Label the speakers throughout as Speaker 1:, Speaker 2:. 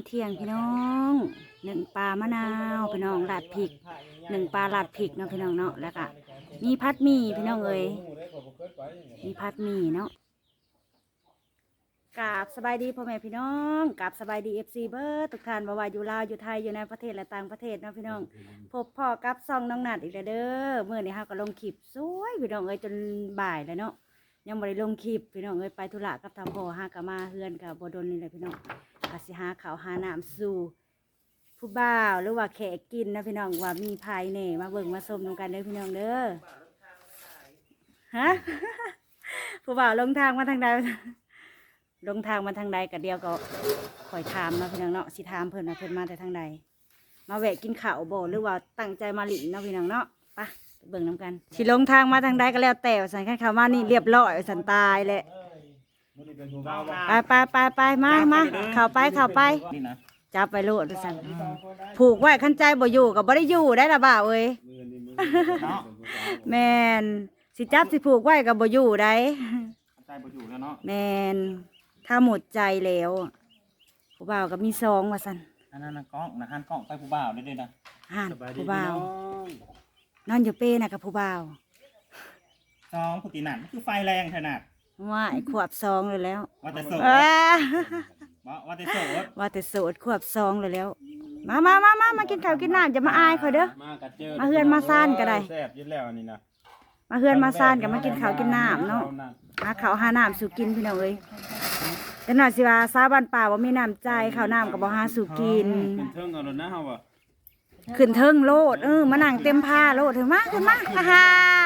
Speaker 1: เที่ยงพี่น้องหนึ่งปลามะนาวพี่น้องลาดพริกหนึ่งปลาลาดพริกเนาะพี่น้องเนาะแล้วก็มีผัดหมี่พี่น้องเอ้ยมีผัดหมี่เนาะกราบสบายดีพ่อแม่พี่น้องกราบสบายดีFCเบิร์ดทุกท่านบ่ว่าอยู่ลาวอยู่ไทยอยู่ในประเทศและต่างประเทศเนาะพี่น้องพบพ่อกับซองน้องนัดอีกแล้วเด้อเมื่อนี้เฮาก็ลงคลิปสวยพี่น้องเอ้ยจนบ่ายแล้วเนาะยังบ่ได้ลงคลิปพี่น้องเอ้ยไปธุระกับทางพ่อหาก็มาเฮือนกับบ่ดนนี่แหละพี่น้องก็สิหาข้าวหาน้ำสู่ผู้บ่าวหรือว่าแขกกินนะพี่น้องว่ามีภายในมาเบิ่งมาชมนำกันเด้อพี่น้องเด้อฮะ ผู้บ่าวลงทางมาทางใดลงทางมาทางใดก็เดียวก็คอยถามเนาะพี่น้องเนาะสิถามเพิ่นว่าเพิ่นมาแต่ทางใดมาแวะกินข้าวบ่หรือว่าตั้งใจมาหลินเนาะพี่น้องเนาะไปเบิ่งนำกันสิลงทางมาทางใดก็แล้วแต่สันคันเขามานี่เรียบร้อยสันตายแหละไปมาเข้าไปจับไปโลดสันผูกไว้ขั้นใจบ่อยู่กับบ่ได้อยู่ได้ละบ่าวเอ้ย แมนสิจับสิผูกไว้กับบ่อยู่ได้ใจบ่อยู่แล้วเนาะแมนถ้าหมดใจแล้วผู้บ่าวก็มีซองว่าซั่นอันนั้นนะก้องนะหันกล้องไปผู้บ่าวได้ๆนะหันผู้บ่าวนอนอยู่เป้น่ะกับผู้บ่าว
Speaker 2: ซองผู้ตีหนันคือไฟแรงขนาด
Speaker 1: ว่าขวบซองเลยแล้ว
Speaker 2: ว่าแต่โสดว่าแต่โสด
Speaker 1: ว่าแต่โสดขวบซองเลยแล้วมากินข้าวกินน้ำจะมาอายเขาเด้อมาเฮือนมาซ่านก็ได้
Speaker 2: แซ่บยิ่งแล้วนี่นะ
Speaker 1: มาเฮือนมาซ่านกับมากินข้าวกินน้ำเนาะหาข้าวหาน้ำสู่กินพี่น้องเอ้ยแต่หน่อยสิว่าซาบ้านป่าว่ามีน้ำใจข้าวน้ำกับบ่หาสู่กิน
Speaker 2: ขึ้นเทิงเอาแล้วนะเฮาอ่ะ
Speaker 1: ขึ้นเทิงโลดมานั่งเต็มผ้าโลดถึงมาฮ่า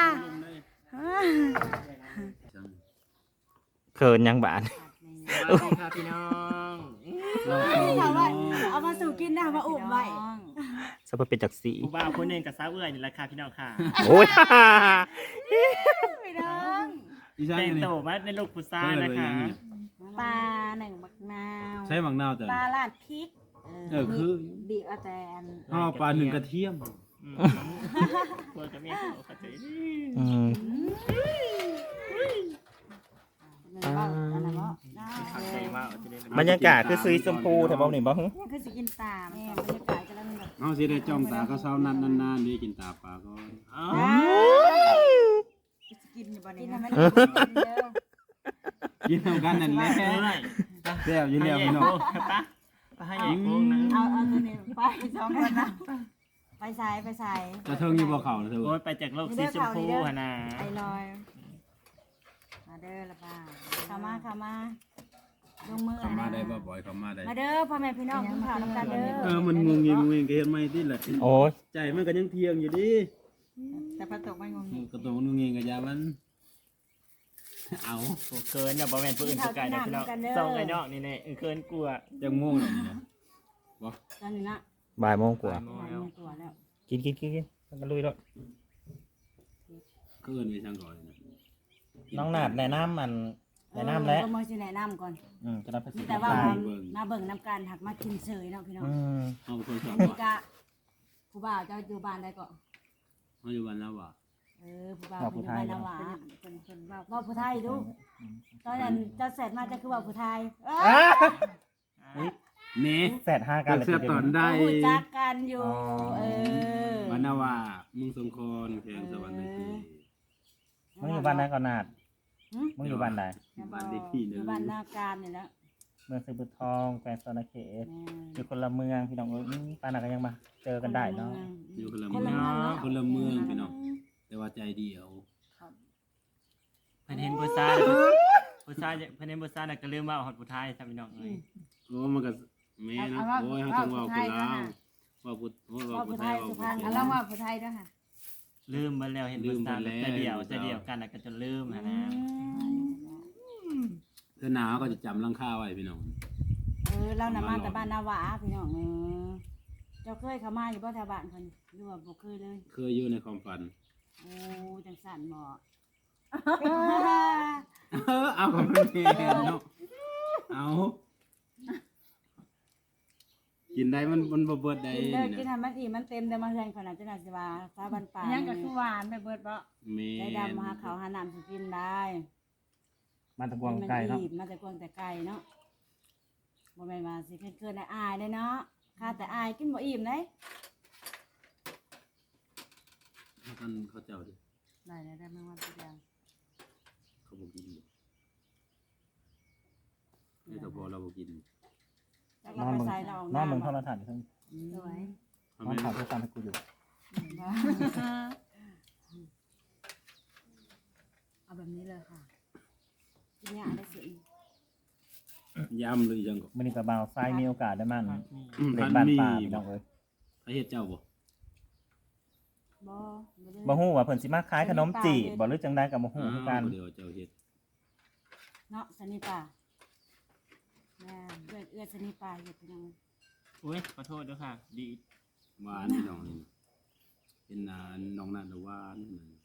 Speaker 2: เขินยังบาด
Speaker 3: ค่ะพี่น้อง
Speaker 1: เอามาสู่กินนะมาอุ่มไว้
Speaker 2: สะเป็นจักสี
Speaker 3: ผู้บ่าวคนหนึ่งกับสาวเอื้อยนี่แหละค่ะพี่น้องค่ะ
Speaker 2: โอ้ย
Speaker 1: พี่น้อง
Speaker 3: แต่งโตมาในลูกผู้ชายนะคะ
Speaker 1: ปลาหนึ่งบักนาว
Speaker 4: ใช้บักนาวแต่
Speaker 1: ปลาลาดพริก
Speaker 4: คือ
Speaker 1: บีบอาแตน
Speaker 4: ปลาหนึ่งกระเทียม
Speaker 3: ตัวจะมีเขาใจ
Speaker 2: บรรยากาศคือซีชมพูแต่บ่นี่บ่ฮึ
Speaker 1: คือสิกินตาแม่บรรยากาศก็แล้วมันแบบ
Speaker 4: เอาสิได้จ้องตาก็เศร้านานๆนี่กินตาปลาก็
Speaker 1: กินอยู่บ่นี่นะ
Speaker 4: กินทำกันนั่นแหละแซ่บอยู่แล้วพี่น้อง
Speaker 3: ไปให้อีกวงนึง
Speaker 1: เอาตัวนี้ไปสองคนนะไปใส่
Speaker 4: จะเทิงอยู่บ่เขาเถอะ
Speaker 3: โอ้ยไปจากโลกสีชมพูฮะนะ
Speaker 1: ไปลอยมาเด้อละป้าเข้ามาลงมือ
Speaker 4: เข้ามาได้บ่บ่อยเข้ามาได้
Speaker 1: มาเด้อพ่อแม่พี่น้องกินข้าวน้ำกันเด้อ
Speaker 4: มันงงเงก็เห็นไหมที่แหละ
Speaker 2: โอ้ย
Speaker 4: ใจมันก็ยังเที่ยงอยู่ดิ
Speaker 1: แต่พระตกไม่งง
Speaker 4: กระตงงงกับยามันเอา
Speaker 3: เคินอย่าบอกแม่ผู้อื่นผู้ไกลนะพี่น้องส่งไอ้นอกนี่แน่เคินกลัว
Speaker 4: จะงงเลยนะ
Speaker 1: บ่ตอนนี้นะ
Speaker 2: บ่ายโมงกว่า
Speaker 1: แล้ว
Speaker 2: กินกันลุยด้วย
Speaker 4: เกินไปช่างก่อน
Speaker 2: น้องหนาดแนะนำแนะนำแล้ว
Speaker 1: ก็มาสิแนะนำก่อน
Speaker 2: จะรับภาษี
Speaker 1: แต่ว่ามาเบิ่งน้ำกันหักมากินเฉยเนาะพี่น้อง
Speaker 4: เอาคนสอน
Speaker 1: นี่กะผู้บ่าวจะอยู่บ้านใดก็
Speaker 4: เขาอยู่บ้านแล้วว่ะ
Speaker 1: ผู้บ่าวอยู่บ้านแล้วว่ะคนว่าผู้ไทยดูตอนนั้นจะเสร็จมาจะคือว่าผู้ไทย
Speaker 4: เม
Speaker 2: แสด5กัน
Speaker 4: เลยตอนได้
Speaker 1: จักกันอยู่
Speaker 4: บ้านนาว่ามึงสงครแข่งสวรรค์ที
Speaker 2: มึงอยู่บ้านไหนก่อนนาดมึงอยู่บ้านไหน
Speaker 4: บ้านเด็กที่นึง
Speaker 1: บ้านนาการนี่แหละ
Speaker 2: เมืองสิบุทองแควงโซนเขตอยู่คนละเมืองพี่น้องป้าหนักก็ยังมาเจอกันได้เนาะ
Speaker 4: อยู่คนละเมืองพี่น้องแต่ว่าใจเดียว
Speaker 3: เพิ่นเห็นผู้ชายเพิ่นเห็นผู้ชายน่ะก็ลืมว่าฮอดผู้ชายซะพี่น้องเอ้ย
Speaker 4: โอ้มันก็แม่นะโอ้ยเฮาต้องว่าคนลาวว่าผู้ไทยว่าผู้ไทย
Speaker 1: แล้วว่าผู้ไทยด้วยค่ะ
Speaker 3: ลืมไปแล้วเห็นผู้ชายแต่เดียวกันน่ะก็จนลืมนะ
Speaker 4: เธอหนาวก็จะจำลังค่าไว้พี่น้อง
Speaker 1: เรานำมาแต่บ้านนาหวาพี่น้องเจ้าเคยเข้ามาอยู่บ่แถวบ้านคนหรือว่าบ่เคยเลย
Speaker 4: เคยอยู่ในความฝัน
Speaker 1: โอ้จังสั่นบ่
Speaker 4: เอาของเพิ่นเนาะเอากินได้มันบ่เบิดได้
Speaker 1: กินให้มันอิ่มมันเต็มแต่มาเฮือนขนาดจังได๋สิว่าฟ้าบ้านป่ายังก็คือหวานไปเบิดบ่ได้ดำมาหาข้าวหาน้ำสิกินได้
Speaker 2: มาตะกวงไก่เนาะ
Speaker 1: มาตะกวงแต่ไก่เนาะบ่แม่นว่าสิเกินๆอายเลยเนาะค่าแต่อายกินบ่อิ่มเด้
Speaker 4: ท่านเขาเจ้าดิ
Speaker 1: ได้แม่ว่าตัวอย่าง
Speaker 4: เขาบอกกินนี่แต่พอเราบอกกิน
Speaker 1: แล้ว
Speaker 2: น
Speaker 1: เรา
Speaker 2: อน
Speaker 1: ไป
Speaker 2: มึง
Speaker 1: ใส่เราออก
Speaker 2: นอนมึง
Speaker 1: น้ำ
Speaker 2: โทรทัศน์อยู่ทั้ง
Speaker 1: สวย
Speaker 4: ทำ
Speaker 2: น
Speaker 4: ไม
Speaker 2: อนข่าวโทรศัพท์ให้กูอยู่
Speaker 1: เอาแบบนี้เลยค่ะกินยาได้สิ
Speaker 4: ยำเลยยังก็
Speaker 2: มื้อนี้ก็บ่าวทรายมีโอกาสได้มัน
Speaker 3: ผัดหมี่
Speaker 2: เล่
Speaker 4: พั
Speaker 2: น
Speaker 4: น
Speaker 2: บ้าน
Speaker 4: มี
Speaker 2: ป่าพี่น้องเอ้ย
Speaker 4: พระเฮ็ดเจ้าบ่
Speaker 1: บ่ได้
Speaker 2: บ่ฮู้ว่าเพิ่นสิมาขายขนมจีบบ่หรือจังได๋ก็บ่ฮู้คือกัน
Speaker 4: เดี๋ยวเจ้าเฮ็ด
Speaker 1: เนาะสนิป่าแม่เอื้อสนิป่าเฮ็ดพี่น้อง
Speaker 3: อุ้ยขอโทษด้วยค่ะ ดี
Speaker 4: หวานพี่น้องนี่เป็นน้องนันหวานนั่น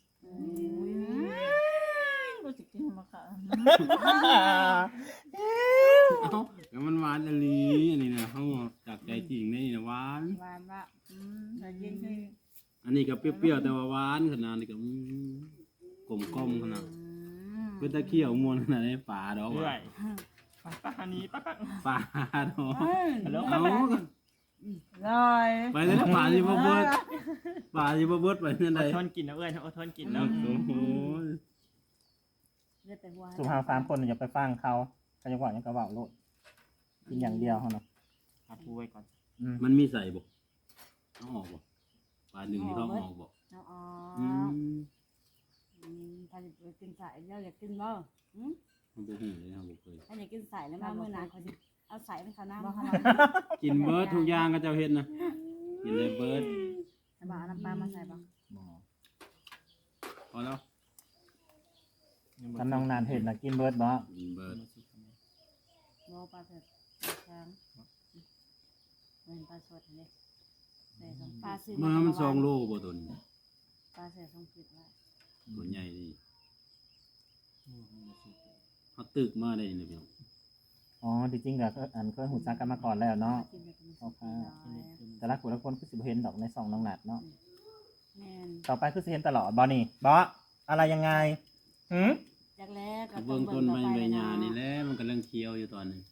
Speaker 5: รู้สึกกินมาค่ะ
Speaker 4: เอ้าแล้วมันหวานอลีอันนี้นะเฮาจากใจจริงนี่นะหวาน
Speaker 5: หวานว่าแต่ยินคือ
Speaker 4: อันนี้ก็เปรี้ยวๆแต่ว่าหวานขนาดนี้ก็กลมๆขนาดเป็นตะเคียวมวนขนาดนี้ปลาดอก
Speaker 3: เรื่อ
Speaker 4: ว่ะ
Speaker 3: ยป้าอันนี้ป้า
Speaker 4: ปลาดอก
Speaker 3: ฮัลโหล
Speaker 4: เอา
Speaker 5: ลอย
Speaker 4: ไปเลยปลาที่บ่เบิดปลาที่บ่เบิดไปนั่น
Speaker 3: อ
Speaker 4: ใด
Speaker 3: ดทนกินนะเอ้ยอดทนกิน
Speaker 4: โอ้
Speaker 3: แล้ว
Speaker 4: โห
Speaker 1: เลือดแต่หัว
Speaker 2: สุภาพ3คนอย่าไปฟังเขาเขาจะว่าหยังก็เว้าโลดกินอย่างเดียวเฮาเนาะ
Speaker 3: หาปูไว้ก่อน
Speaker 4: มันมีใส่บ่เอาออกบ่ปลาหนึ่งที่เขาเอาออกบ่
Speaker 1: เอาอ๋อ
Speaker 4: อืม
Speaker 1: ถ้าจะไปกินสายแล้วอยากกินบ่หืม
Speaker 4: มันบ่ฮู้เลยนะบ่เคย
Speaker 1: ถ้าอยากกินสายแล้วมามื้อหน้าเขาสิเอาสายให้เขาน้ำ
Speaker 5: บอกเขา
Speaker 4: กินเบิร์ดทุกอย่างก็เจ้าเฮ็ดนะกินเลยเบิร์ด
Speaker 5: บอกเอาน้ำปลามาใส่บ่
Speaker 2: บ่
Speaker 4: พอแล้ว
Speaker 2: คันน้องนานเห็นน่ะกินเบิดบ่
Speaker 4: กินเบิร์ด
Speaker 1: บ่ปลาเผ็ดแข็งเป็นปลาสดนี่ใส่สองปลาซื้อ
Speaker 4: มัน2 โลบ่ตัวนี้
Speaker 1: ปลาใส่สองผิดไว้
Speaker 4: ตัวใหญ่ดีเขาตึกมาได้นี่พี่น้อง
Speaker 2: อ๋อที่จริงก็อันเคยฮู้จักกันมาก่อนแล้วเนาะ
Speaker 1: กินแบบนี้
Speaker 2: โอเค แต่ละคนละคนคือสิบ่เห็นดอกในซองน้องนัดเนาะ
Speaker 1: แม่น
Speaker 2: ต่อไปคือสิเห็นตลอดบ่นี่บ่อะไรยังไงหืม
Speaker 1: จากแรกก็
Speaker 4: เบิ่งต้นไม้ใบหญ้านี่แหละมันกำลังเคี้ยวอยู่ตอนนี้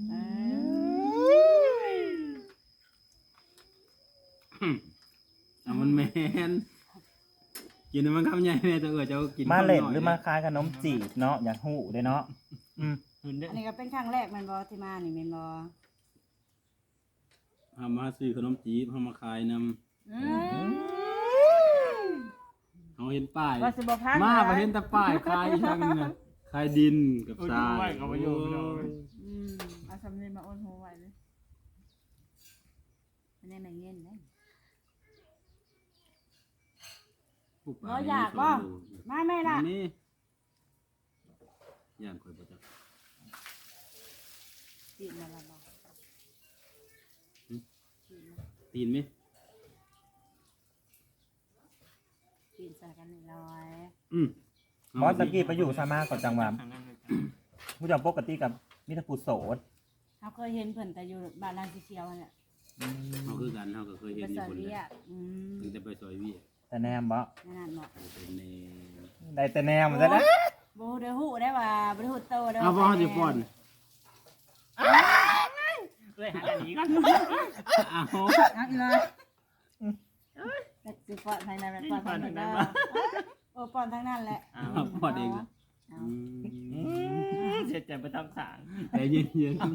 Speaker 4: อ่ะมันแม่นกินให้มันคำใหญ่แม่ตัวเจ้ากิน
Speaker 2: มาเล่น
Speaker 4: คำอย
Speaker 2: หรือมาขายขนมจีบเนาะอยากฮู้เด้เนาะอืม
Speaker 3: หืนเด้อ
Speaker 1: อันนี้ก็เป็นครั้งแรกแม่นบ่ที่มานี่แม่นบ่
Speaker 4: เฮามาซื้อขนมจีบเฮามาขายนำเฮาเห็นป้าย
Speaker 5: ว่าสิบ่พัก
Speaker 4: มาบ่เห็นแต่ป้ายขายอีกทางนึงน่ะขายดินกับทราย
Speaker 3: เขาไปอยู่พี่น้อง
Speaker 5: เอาสำเนียงมาโอนหัวไว้เลย
Speaker 1: อันนี้ไม่เงินนะ
Speaker 4: ผู้ป่
Speaker 1: บ่อยากบ่ มาแม่ล่ะ
Speaker 4: นี่ย่านข่อยบ่จัก
Speaker 1: กินมาละบ่
Speaker 4: ตีนไหม
Speaker 1: กินใส่กัน100
Speaker 2: บอสตะกี้ไปอยู่ซามาก่อนจังหวะ
Speaker 3: ทางนั้นเลยจ้ะ
Speaker 2: ผู้เจ้าปกติกับมิตรผู้โสด
Speaker 1: เฮาเคยเห็นเพิ่นแต่อยู่บ้านลานสีเขียวนั่นแหละ
Speaker 4: เฮาคือกันเฮาก็เคยเห็
Speaker 1: ไป
Speaker 4: นอ
Speaker 1: ซ
Speaker 4: ยู่
Speaker 1: อย
Speaker 4: คน
Speaker 1: เวี
Speaker 4: เดี
Speaker 1: ย
Speaker 4: ยว
Speaker 1: อืม
Speaker 4: ถึงแต่ไปซอยเวีย
Speaker 2: แต่แนมบ่
Speaker 1: นั่นเนาะ
Speaker 4: เป็นใน
Speaker 2: ได้แต่แนมซะนะ
Speaker 1: บ่ได้ฮู้ได้ว่าบ่ได้ฮู้โตได้
Speaker 4: เอาบ่
Speaker 1: ว่า
Speaker 4: เฮาสิป้อน
Speaker 3: เอ้ยหาอันนี้ก่อน
Speaker 4: เอา
Speaker 5: เอาอีเลยแต่สิปอดภายในแบบปอดภายในบ้าน
Speaker 1: โอ้ป้อนทั้งนั้นแหละ
Speaker 3: เอา
Speaker 4: เอาป้อนเองนะ
Speaker 1: เอา
Speaker 3: เสียใจไปทำสาง
Speaker 4: ใจเย็น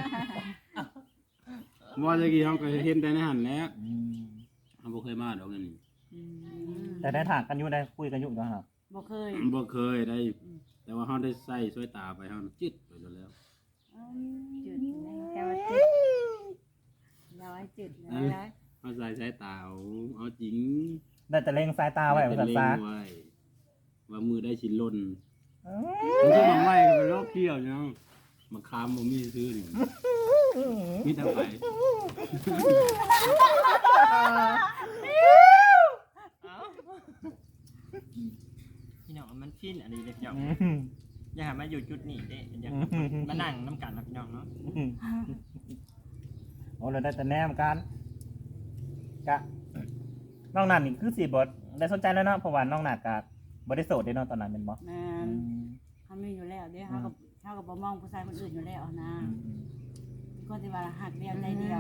Speaker 4: ๆบ่ตะกี้เฮาก็เห็นแต่ในหันแหล้วเฮาบ่เคยมาดอกนั่นนี่
Speaker 1: อืม
Speaker 2: แต่ได้ถากกันอยู่ได้คุยกันอยู่ก็ครับ
Speaker 1: บ่เคย
Speaker 4: บ่เคยได้ แต่ว่าเฮาได้ใส่สวยตาไปเฮาจิตไปแล้ว
Speaker 1: จุดแค่ว่าจุดเราให้จุดนะ
Speaker 4: เฮาใส่สายตาเอาจริง
Speaker 2: ได้แต่เล็งสายตาไว้ภาษาซา
Speaker 4: ไว้ว่ามือได้ชิ้นล้นมันจะมาไหม้กันไปรอบเที่ยวเนาะมาคามบ่มีซื้อนี่มีแต่ไป
Speaker 3: พี่น้องมันฟินอันนี้เลยพี่น้องอย่าหามาอยู่จุดนี้เด้อย่ามานั่งน้ำกันนะพี่น้องเนาะ
Speaker 2: โอ้เราได้แต่แนมกันกะน้องนัดนี่คือสีบทได้สนใจแล้วเนาะเพราะว่าน้องนัดกับบได้โสดได้เนาะตอนนั้นเป็นบ่
Speaker 1: แม่เขามีอยู่แล้วเด้เขากับบ่มองผู้ชายคนอื่นอยู่แล้วนะคคนที่ว่าหักเดียวใจเดียว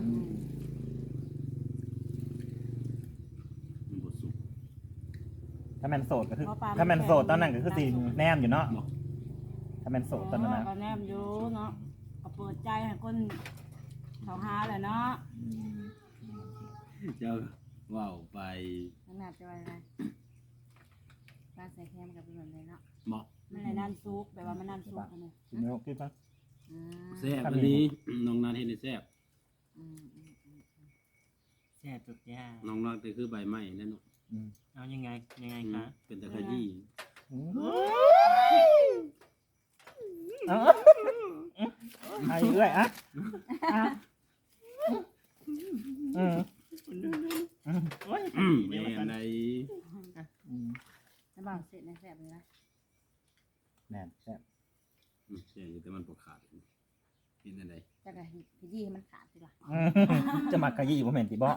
Speaker 4: มันบ่สุก
Speaker 2: ถ้าแมนโสดก็คือถ้าแมนโสดตอนนั้นก็คือสิแนมอยู่เนาะถ้าแมนโสดตอนนั้นนะ
Speaker 1: ก็แนมอยู่เนาะก็เปิดใจให้คนเขาหาแหละเนาะ
Speaker 4: เจ้าว้าวไป
Speaker 5: น้ำหนักจะว่าอะไรปลาใส่แคมกับเป็นแบบนี้เนาะ
Speaker 4: เหมาะ
Speaker 1: มันเลยนั่นซุกแบบว่ามันนั่นซุกอันนี้
Speaker 2: กินไม่รู้กินปะ
Speaker 5: อืม
Speaker 4: แซ่บอันนี้น้องนัดเห็นได้แซ่บ
Speaker 3: แซ่บทุกอย่าง
Speaker 4: น้องนัดก็คือใบไม้นั่นเนาะ
Speaker 3: เอายังไงคะ
Speaker 4: เป็นตะขยี้
Speaker 2: เอาไอ้เอ้ยอะ
Speaker 3: โอ้ย
Speaker 4: แม่นใด
Speaker 5: น้ำบ่าวเสร็จในแซ่บเลยนะ
Speaker 2: แน่นแซ่บ
Speaker 4: แซ่บอยู่แต่มันบ่ขาดกินอันใด
Speaker 5: จะกะขยี้ให้มันขาดสิล่ะ
Speaker 2: จะมากะยี่บ่แม่นติบ่
Speaker 4: บ่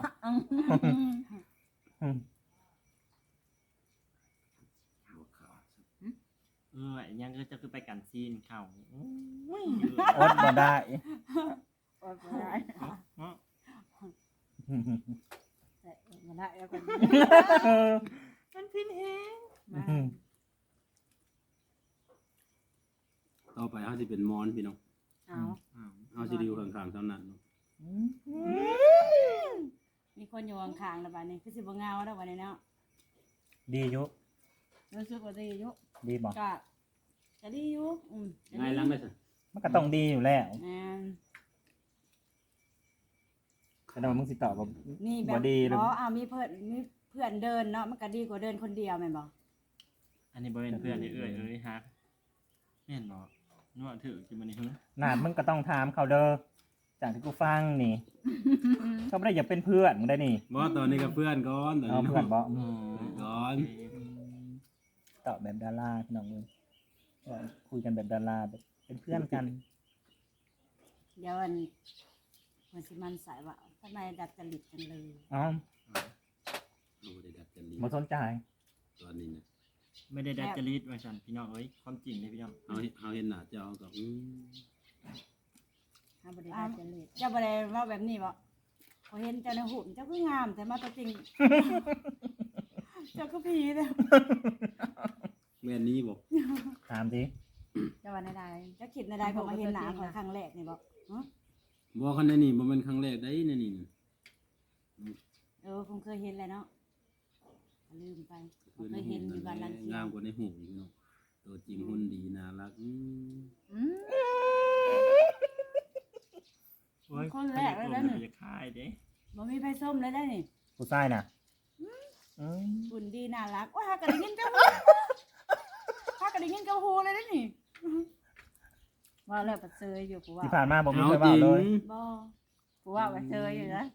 Speaker 4: ขาด
Speaker 3: ยังก็จะคือไปกันซีนเข่าโอ้ย
Speaker 2: อดบ่ได้
Speaker 5: โอ้ยบ่ได้แต่บ่ได้แล้วกัน
Speaker 3: มันพินแฮง
Speaker 5: มา
Speaker 4: ต่อไปเฮาสิเป็นมอนพี่น้อง
Speaker 5: เอา
Speaker 4: เฮาสิอยู่ข้างๆเท่านั้นเนาะ
Speaker 1: มีคนอยู่ข้างๆแล้วบัดนี้คือสิบ่เงาแล้วบัดนี้เนาะ
Speaker 2: ดีอยู่
Speaker 1: รู้สึกว่าดีอยู่
Speaker 2: ดีบ่
Speaker 1: ก็ดีอยู่ก็
Speaker 4: ง่าย
Speaker 1: ดี
Speaker 4: หลังได้ซะ
Speaker 2: มันก็ต้องดีอยู่แล้ว
Speaker 1: แม่น
Speaker 2: แต่ว่ามึงสิตอบว่า
Speaker 1: นี่แบ
Speaker 2: บ่
Speaker 1: บ
Speaker 2: ดีหรือ
Speaker 1: มีเพื่อนเดินเนาะมันก็ดีกว่าเดินคนเดียวแม่นบ่
Speaker 3: อันนี้บ่เป็นเพื่อนเอ้ยฮักแม่นบ่นวดถือกินมันนี่ฮึ
Speaker 2: หนาดมึงก็ต้องถามเขาเด้อจากที่กูฟังนี่ เขาไม่ได้อยากเป็นเพื่อนมึงได้นี่
Speaker 4: บ่ตอนนี้กับเพื่อนก่อนตอน
Speaker 2: เอา
Speaker 4: นี้
Speaker 2: เพื่อนบ่
Speaker 4: ก่อน
Speaker 2: ตอบแบบดาราพี่น้องเลยคุยกันแบบดาราแบบเป็นเพื่อนกัน
Speaker 1: เดี๋ยวมันสิมันสายว่าทำไมดัดจริตกันเลย
Speaker 2: อ๋อ
Speaker 4: เอาบ่ได้ดัดจริต
Speaker 2: มาสนใจ
Speaker 4: ตอนนี้นะ
Speaker 3: ไม่ได้ดัดจริตว่าซั่นพี่น้องเอ้ยความจริงเลยพี่น้อง
Speaker 4: เฮาเห็นหน้าเจ้าก็
Speaker 5: ถ้าบ่ได้ได้จะเล็ด
Speaker 1: เจ้าบ่ได้ว่าแบบนี้บ่พอเห็นเจ้าในหุ่นเจ้าก็งามแต่มาตัวจริง เจ้าก็ผีเด้อ
Speaker 4: แม่นนี้บ่
Speaker 2: ถามสิ
Speaker 5: จะว่าได้
Speaker 1: เจ้าคิดในใดพอมาเห็นหน้าเขาครั้งแรกนี่บ่
Speaker 4: บ่คันในนี่บ่แม่นครั้งแรกได้ในนี่
Speaker 1: คงเคยเห็นแหละเนาะลืมไป
Speaker 4: คือ
Speaker 1: เค
Speaker 4: ใน
Speaker 1: ย
Speaker 4: หู
Speaker 1: เห็นอยู่บ้านลัง
Speaker 4: งามกว่าในหูอีกเนาะตัวจริงหุ่นดีน่ารัก
Speaker 3: โอ้ย
Speaker 1: คนแรกเลยนะนี่
Speaker 3: จะคายเด้
Speaker 1: บ่มีไผส้มเลยได้นี่
Speaker 2: ผู้ชายน่ะ
Speaker 1: หุ่นดีน่ารักว่าหากระได้ยินเจ้าหูหากระได้ยินเจ้าหูเลยได้นี่
Speaker 5: ว่าแล้วปัดเซยอยู่กูว่า
Speaker 2: ที่ผ่านมาบอกมี
Speaker 4: เอา
Speaker 2: ใคร
Speaker 4: จ
Speaker 2: ว่า
Speaker 4: ริง
Speaker 2: เลย
Speaker 1: บ่
Speaker 5: กูว่าปัดเซยอยู่นะ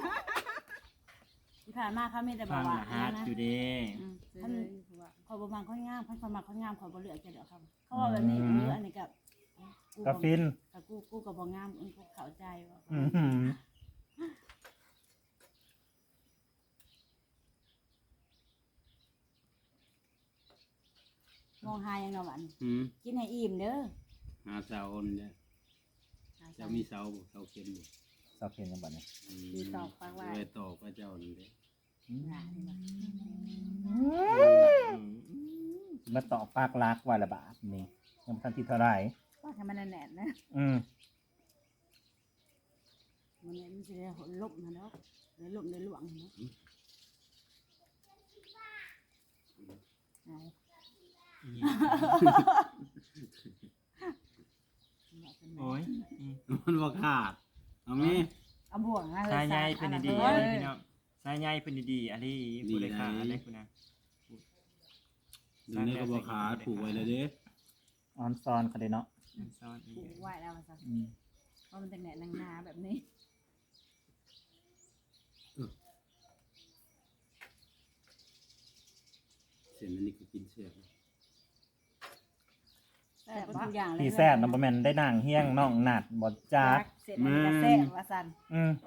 Speaker 1: ที่ผ่านมาเขามีแต่บ
Speaker 3: ฟั
Speaker 1: อก
Speaker 3: ง
Speaker 1: ว่า
Speaker 3: ละฮาร์ด
Speaker 1: นะ
Speaker 3: อยู่เด้
Speaker 5: เซยกูว่า
Speaker 1: ขอยบ่มักคนงามคนมักคนงามขอยบ่เลือกจะเด้อครับเขาว่าแบบนี้อันนี้กับ
Speaker 2: ก็ฟิน
Speaker 1: กูก็บ่งามกูเข้าใจว่า
Speaker 2: อื้อหือ
Speaker 1: มองหายังเนาะหวัน กินให้อิ่มเด้อ
Speaker 4: หาเสาคนเนี่ยเจ้ามีเสาบ่เสาเข็มบ่
Speaker 2: ชอบเพียงกันบัดนี้
Speaker 5: ดีตอกฟังว่า
Speaker 4: ไว้ตอกพระเจ้านี่เด้
Speaker 2: มาต่อปากรักว่าละบาทนี่ยังบ่ทันที่เท่าไหร่
Speaker 5: ว่าทำมันแน่นๆนะ
Speaker 1: มันสิได้ลบมาเนาะได้ลบได้หลวงเนาะ
Speaker 3: โอ้ย
Speaker 4: มันบ่ขาดเอาแม่
Speaker 5: เอาบ่วงนะ
Speaker 3: สายใยเป็นดีๆ
Speaker 5: เล
Speaker 3: อะไร
Speaker 5: ย
Speaker 3: พี่น้องสายใยเป็นดีๆอันนี้ผู้ใดขาอันนี้คุณนะ
Speaker 4: เดี๋ยวนี้ก็บ่ขาดผูกไว้เลยเด้
Speaker 2: ออนซอนเขาได้เนาะ
Speaker 3: ซ่อนอี
Speaker 5: ผู
Speaker 3: ก
Speaker 5: กไว้แล้วซะ
Speaker 2: อืม
Speaker 5: เพราะมันจะแหน่นางนาแบบนี้
Speaker 4: เส้นอันนี้ก็กินแซ่บ
Speaker 1: แต่ทุกอย่างเลย
Speaker 2: พี่แซ่บน้ำประแมนได้นางเฮี้ยงน้องหนัดบดจัก
Speaker 5: เสร็จมันจะแซ่บว่าซั่น
Speaker 2: อืม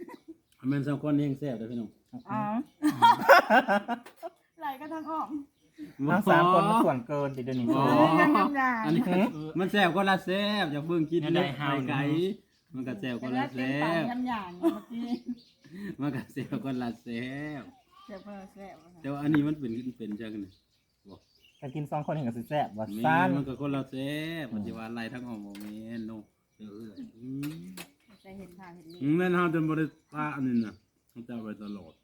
Speaker 4: แม่นสองคนเองแซ่บเด้อพี่น้อง
Speaker 5: อ๋อ
Speaker 1: ไหลก็ทางออก
Speaker 2: ทั้งสามคนมันส่วนเกินติเดี๋ยวนี้
Speaker 4: อ๋อ อันนี้มันแซ่บก็ละแซ่บอย่าเพิ่งคิดเล็กไปไกลมันก็แซ่บก็
Speaker 5: ก็
Speaker 4: ละ
Speaker 5: แล้วเป็น
Speaker 4: แซ่
Speaker 5: ปาก
Speaker 4: บ
Speaker 5: ยำอย่างเมื่อกี้
Speaker 4: มันก็แซ่บก็ละแซ่บ
Speaker 5: เจ็บเพิ่มแซ่บ
Speaker 4: แต่ว่าอันนี้มันเป็นจังไง
Speaker 2: กันกิน2คนเห็นกับสิแซ่บว่า
Speaker 4: แม่
Speaker 2: ซ่าน
Speaker 4: มันก็คนละแซ่บมันจะว่าอะไรทั้งออกบ่แม่นโนอืม
Speaker 5: จะเห็นทางเห็นนี่
Speaker 4: แม่นเฮาจนบ่ได้ปะอันนี้น่ะมันจะเอาไว้ตลอด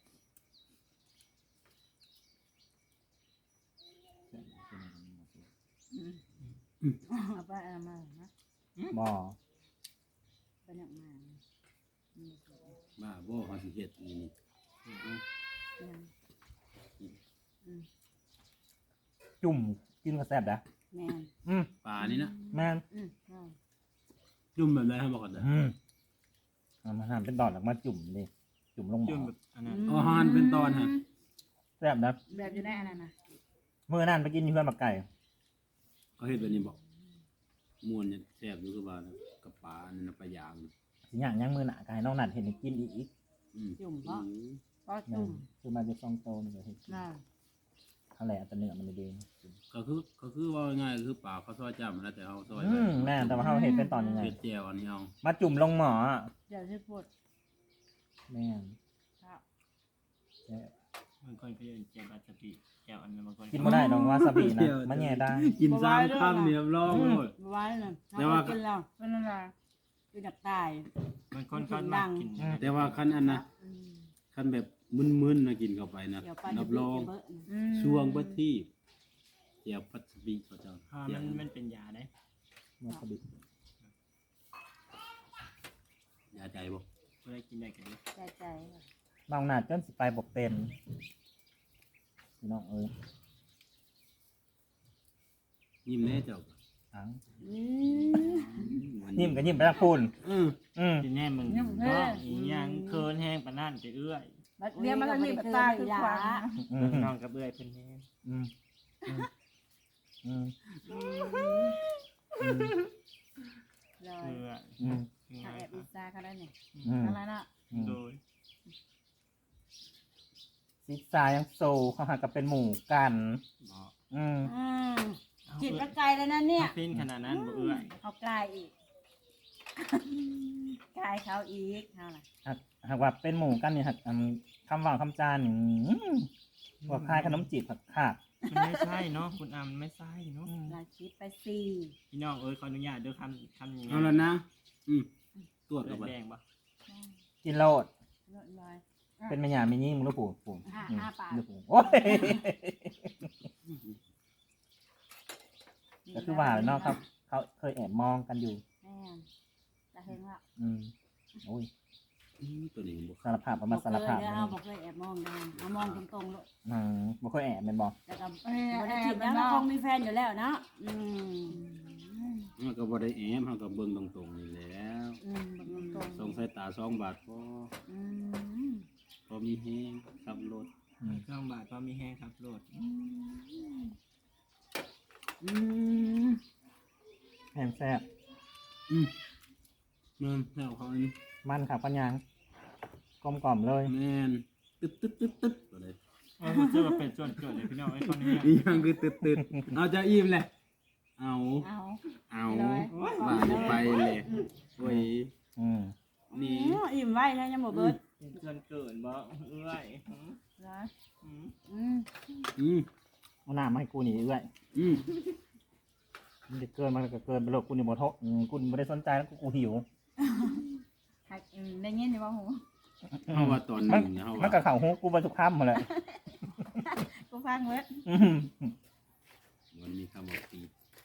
Speaker 5: เอาไปเอามานะ
Speaker 2: บ่
Speaker 5: เป็นอย่างมา
Speaker 4: บ้าบ่เฮาสิเฮ็ดนี่
Speaker 2: จุ่มกินก็แซ่บนะ
Speaker 5: แม่น
Speaker 4: ปลานี่นะ
Speaker 2: แม่น
Speaker 4: จุ่มแบบไรให้บอกก่อนเด้อ
Speaker 2: เอามาหั่นเป็นดอกแล้วมาจุ่มดิจุ่มลงหม้
Speaker 3: จุ่ม
Speaker 2: อ
Speaker 3: แบบอันนั้น
Speaker 4: อาหารเป็นตอนฮะ
Speaker 2: แซ่บนะ
Speaker 5: แบบอยู่ในอันนั้นนะ
Speaker 2: มื้อนั้นไปกินอยู่เพื่อนบักไก่
Speaker 4: เขาเฮ็ดแบบนี้บอกม่วนเนี่ยแซ่บอยู่คือว่านะกับปลานี่นะปลายาง
Speaker 2: สิย่างยังมื้อหน้าก็ให้น้องนัดเห็นให้กินอีก
Speaker 5: จุ่มเพราะก็
Speaker 2: แม่
Speaker 5: จุ่
Speaker 2: น
Speaker 5: ม
Speaker 2: คือมาจะ2โตนี่ก็เฮ็ดกิน
Speaker 5: น่า
Speaker 2: เท่าไหร่อัตเนื้อมันเด้ง
Speaker 4: ก็คือว่าง่ายๆคือปลาเขาซอยจ้ำแล้วแต่เขาซอย
Speaker 2: แม่นแต่ว่าเฮาเฮ็ดเป็นตอนยังไง
Speaker 4: เผ็ดแจ่วอันนี้เอา
Speaker 2: มาจุ่มลงหม้อ
Speaker 5: เดี๋ยวจะปวด
Speaker 2: แม่น
Speaker 5: ครับ
Speaker 2: แซ่บบ
Speaker 3: างคนก็จะแจวบัตสปีแจวอันนั้นบางคน
Speaker 2: กินบ่ได้ดอกวาซาบินะมันแย่ได้
Speaker 4: กิน3ค่ำเนี่ยร้องโลด
Speaker 5: ไว้น่ะ
Speaker 4: แต่ว่า
Speaker 5: กินแล้วเป็นอะไรคือดักตาย
Speaker 3: บางคนเขามากิน
Speaker 4: แต่ว่าคันอันนะคันแบบมึนๆนะกินเข้าไปนะ
Speaker 5: เดี๋ยวไป
Speaker 4: รับรอง
Speaker 5: เบอะ
Speaker 4: ช่วงเบิดที่แจ่วพัสบีเขาเจ้า
Speaker 3: เพราะมันเป็นยาได้
Speaker 2: วาซาบิ
Speaker 4: ยาใจบ่
Speaker 3: ก็ได้กินได้กันเลย
Speaker 5: ใจใจ
Speaker 2: น้องนัดจนสิไปบ่เป็นพี่น้องเอ้ย
Speaker 4: ยิ้มแน่เจ้า
Speaker 2: อัง
Speaker 4: วัน
Speaker 2: ยิ้มก็ยิ้มไปทางพูน
Speaker 4: อือ
Speaker 3: กินแน่มึงก็อีหยังเคินแห้งปานนั่นจะเอื้อย
Speaker 5: เรียนมาทางนี้แบบตายคือขวา
Speaker 3: น้องกับเอื้อยเป็นแห้ง
Speaker 2: อืมอืม
Speaker 5: เลย
Speaker 3: เอื้อย
Speaker 2: อืม
Speaker 5: ถ้าแอบอิซ่าเขาได้เนี่ย
Speaker 2: อืม
Speaker 5: อะไรนะ
Speaker 3: โดย
Speaker 2: ซิกซายังโซเขาหากับเป็นหมู่กัน
Speaker 3: บอก
Speaker 5: จิตก็ไกลแล้วนะเนี่ย
Speaker 3: ปิ้นขนาดนั้นบ่เอื้อย
Speaker 5: เขากลายอีกกลายเขาอีกเท่าไหร่
Speaker 2: หากว่าเป็นหมู่กันเนี่ยหากคำว่างคำจานพวกคายขนมจีบผักขาด
Speaker 3: มันไม่ใช่เนาะคุณอามไม่ใช่เนาะ
Speaker 5: เราคิดไปสี่
Speaker 3: พี่น้องเอ้ยขออนุญาตเด้อคำอย่าง
Speaker 4: เอา
Speaker 3: เงี้
Speaker 4: ละ
Speaker 3: ย
Speaker 4: นะตรวจ
Speaker 3: เลื
Speaker 4: กั
Speaker 3: อบ ด
Speaker 4: ไป
Speaker 3: แดงปะ
Speaker 2: กินโลด
Speaker 5: ลดลอย
Speaker 2: เป็นแม่ยาไม่ยิ่งมึงรู้ปู่ปู่
Speaker 5: ห้าปาก
Speaker 2: รู้ปู่โอ้ยก็คือว่าเนาะครับเขาเคยแอบมองกันอยู่
Speaker 5: แม่จะเห็นว่า
Speaker 2: โอ้ย
Speaker 4: ตัวนี้บ่
Speaker 2: สารภาพประมาณสารภาพ
Speaker 5: เอาบอกเลยแอบมองกันเอามองตรงๆเลย
Speaker 2: บ่เคยแอบเป็นบอก
Speaker 5: แต่ก็บ่ได้จีบแล้วคงมีแฟนอยู่แล้วเนาะ
Speaker 4: มันก็บ่ได้แอบมันก็เบิ่งตรงๆนี่แหล้ว
Speaker 5: แบบตรง
Speaker 4: ส่งสายตา2 บาทพอมีแฮงขับรถ
Speaker 3: เครื่องบาทก็มีแห้งครับโหลด
Speaker 2: แหมแซ่บ
Speaker 4: มันแล้วเขาอันนี้
Speaker 2: มันขับปัญญางกลมกล่อมเลย
Speaker 4: แม่นตึ๊ดตัวเลย
Speaker 3: เจอเป็นส่วนเกิดเลยพี่น้องไอ้คนนี้
Speaker 4: อีหยังคือตึ๊ดเอาจะอิ่มแหละเอา
Speaker 5: เอา
Speaker 4: ว่าจะไปเลยโอ้ยนี่
Speaker 5: อิ่มไว้นะยังบ่เบิด
Speaker 3: เป็นส่วนเกิดบ่เอื้อย
Speaker 2: เอาหน้ามาให้กูหนีด้วยมันจะเกินมันก็เกินไปโลกกูนี่บ่ทกกูไม่ได้สนใจแล้วกูหิว
Speaker 5: ได้ยินอยู่บ่หู
Speaker 4: เฮาว่าตอนนึงเนี่ยเฮา
Speaker 2: มัน
Speaker 4: ว่า
Speaker 2: ก็เข่าหูกูบรรทุกค่ำมาเลย
Speaker 5: กูฟังเบิด
Speaker 4: มันมีคำว่าปี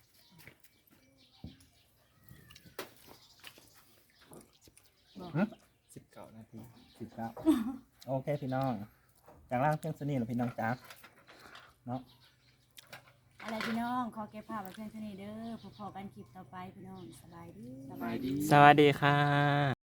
Speaker 3: 19 นาที
Speaker 2: 19โอเคพี่น้องจากล่างเพียงสนิทหรือพี่น้องจ๊ะเนาะ
Speaker 5: อะไรพี่น้องขอเก็บภาพไว้เพียงเท่านี้เด้อพอๆกันคลิปต่อไปพี่น้องสบายดี
Speaker 4: สบายดี
Speaker 3: สวัสดีค่ะ